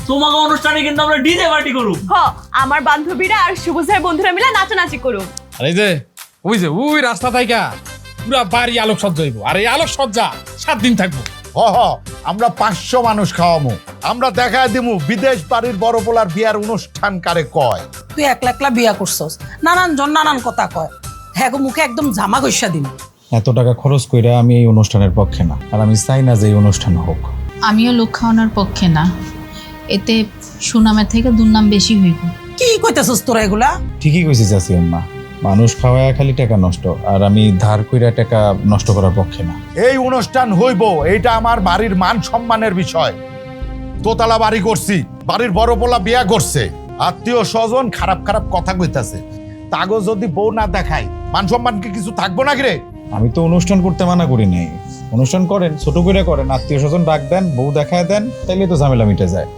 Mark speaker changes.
Speaker 1: তোমাকে অনুষ্ঠানে কিন্তু আমরা ডিজে পার্টি করব।
Speaker 2: আমার বান্ধবীরা আর শুভজের বন্ধুরা মিলে নাচানাচি করুম।
Speaker 3: আর এই যে ওই রাস্তা থাইকা পুরা বাড়ি আলোক সজ্জা হইব, আর এই আলোক সজ্জা 7 দিন থাকবো।
Speaker 4: আমরা 500 মানুষ খাওয়ামু। আমরা দেখায় দিমু বিদেশ বাড়ির বড় পোলার বিয়ার অনুষ্ঠান কারে কয়।
Speaker 5: তুই একলা একলা বিয়া করছস, নানান জন নানান কথা কয়, হ্যাঁ গো মুখে একদম জামা গৈসা দিন।
Speaker 6: এত টাকা খরচ কইরা আমি এই অনুষ্ঠানের পক্ষে না, আর আমি চাই না যে এই অনুষ্ঠান হোক।
Speaker 7: আমিও লোক খাওয়ানোর পক্ষে না, এতে সুনামের থেকে দুর্নাম বেশি হইব।
Speaker 5: কি কইতেছস তোরা এগুলা?
Speaker 6: ঠিকই কইছিস চাচি আম্মা, মানুষ খাওয়ায় খালি টাকা নষ্ট, আর আমি ধার কইরা টাকা নষ্ট করার পক্ষে না।
Speaker 4: এই অনুষ্ঠান হইব, এইটা আমার বাড়ির মান সম্মানের বিষয়। দোতলা বাড়ি করছি, বাড়ির বড় পোলা বিয়া করছে, আত্মীয় স্বজন খারাপ খারাপ কথা কইতাছে, তাগো যদি বউ না দেখায় মান সম্মান কি কিছু থাকবো না রে?
Speaker 6: আমি তো অনুষ্ঠান করতে মানা করি নাই, অনুষ্ঠান করেন, ছোট করে করেন, আত্মীয় স্বজন ডাক দেন, বউ দেখায় দেন, তাইলে তো ঝামেলা মিটে যায়।